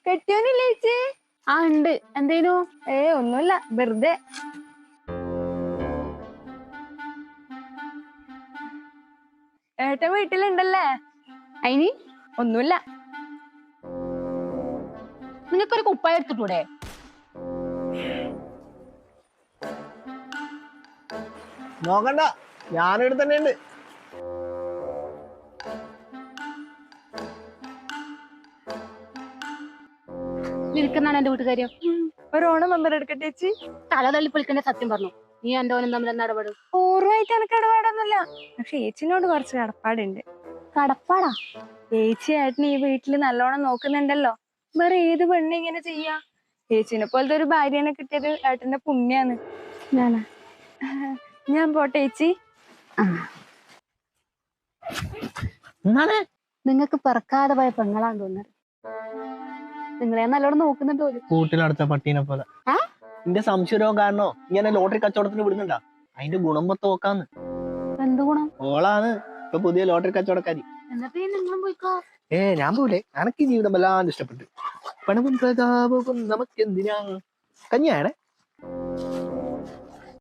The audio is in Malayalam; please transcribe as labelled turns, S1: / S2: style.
S1: കെട്ടിയോനില്ലേ ചേച്ചി?
S2: ആ ഉണ്ട്. എന്തേനു?
S1: ഒന്നുമില്ല, വെറുതെ. ഏട്ടൻ വീട്ടിലുണ്ടല്ലേ?
S2: അയിന്
S1: ഒന്നുമില്ല.
S2: നിങ്ങൾക്കൊരു കുപ്പായ എടുത്തിട്ടൂടെ?
S3: നോക്കണ്ട, ഞാനിവിടെ തന്നെ ഉണ്ട്.
S2: നിൽക്കുന്നാണ് എന്റെ വീട്ടുകാര്യം.
S1: ഒരു ഓണം മെമ്പർ എടുക്കട്ടെ ചേച്ചി?
S2: തല തള്ളി പൊളിക്കേണ്ട സത്യം പറഞ്ഞു. നീ എന്റെ ഓനും തമ്മിൽ എന്താ ഇടപെടും?
S1: പൂർവ്വമായിട്ട് എനിക്ക് ഇടപാടൊന്നുമില്ല. പക്ഷെ ചേച്ചിനോട് കുറച്ച് കടപ്പാടുണ്ട്.
S2: കടപ്പാടാ?
S1: ചേച്ചി ഏട്ടന് ഈ വീട്ടില് നല്ലോണം നോക്കുന്നുണ്ടല്ലോ. വേറെ ഏത് പെണ്ണ് ഇങ്ങനെ ചെയ്യാ? ചേച്ചിനെ പോലത്തെ ഒരു ഭാര്യനെ കിട്ടിയത് ഏട്ടന്റെ പുണ്യാണ്.
S2: ഞാനാ?
S1: ഞാൻ പോട്ടെ ചേച്ചി.
S2: നിങ്ങക്ക് പിറക്കാതെ പോയ പെങ്ങളാന്ന് തോന്നുന്നത്. നിങ്ങളെ നല്ലോണം നോക്കുന്നുണ്ട് പോലും.
S3: കൂട്ടിലടുത്ത പട്ടീനെ പോലെ. എന്റെ സംശയം കാരണോ ഇങ്ങനെ ലോട്ടറി കച്ചവടത്തിന് വിടുന്നുണ്ടാ? അതിന്റെ ഗുണം മൊത്തം നോക്കാന്ന്.
S2: എന്ത് ഗുണം?
S3: ഓളാണ് ഇപ്പൊ പുതിയ ലോട്ടറി കച്ചവടക്കാരി.
S2: എന്നിട്ട് നിങ്ങളും പോയിക്കോ.
S3: ഞാൻ പോലെ എനക്ക് ജീവിതം വല്ലാണ്ട് ഇഷ്ടപ്പെട്ടു. പണവും പ്രതാപവും നമുക്കെന്തിനാ? കന്യാണേ.